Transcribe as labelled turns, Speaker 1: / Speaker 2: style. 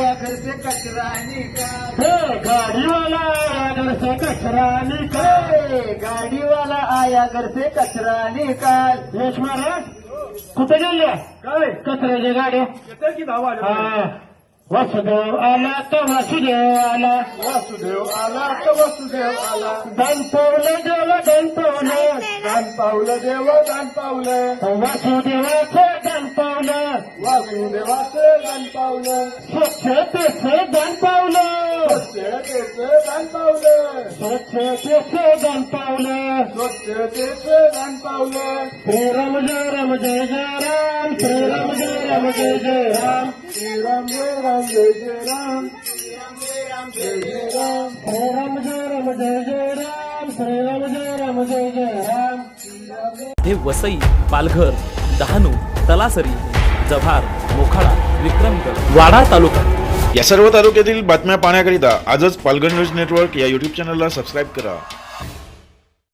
Speaker 1: आया घर से कचरा निकाल,
Speaker 2: गाड़ी वाला आया घर से कचरा निकाल,
Speaker 1: गाड़ी वाला आया घर से कचरा निकाल.
Speaker 2: यश महाराज कुठे गेले
Speaker 1: काय
Speaker 2: कचऱ्याच्या गाड्या?
Speaker 1: येते की धावा
Speaker 2: हा, वासुदेव आला तर वासुदेव आला,
Speaker 1: वासुदेव आला तर वासुदेव आला.
Speaker 2: दान पावलं देव दान पावलं,
Speaker 1: दान पावलं देव दान पावलं,
Speaker 2: वासुदेवाचं दान पावलं,
Speaker 1: वासुदेवाचं दान पावलं,
Speaker 2: स्वच्छतेचं दान पावलं,
Speaker 1: स्वच्छतेचं दान पावलं,
Speaker 2: स्वच्छतेचं दान पावलं.
Speaker 1: स्वच्छतेचं दान पावलं.
Speaker 2: श्रीराम जय राम जय जय राम, श्रीराम जय राम जय जय राम,
Speaker 1: श्रीराम जय राम जय जय राम, श्रीराम जय राम जय जय राम,
Speaker 2: श्रीराम जय राम जय जय राम, श्रीराम जय राम जय जय राम.
Speaker 3: हे वसई, पालघर, डहाणू, तलासरी, जव्हार, मोखाडा, विक्रमगड, वाडा तालुका
Speaker 4: या सर्व तालुक्यातील बातम्या पाहण्याकरिता आजच पालघर न्यूज नेटवर्क या यूट्यूब चॅनलला सबस्क्राईब करा.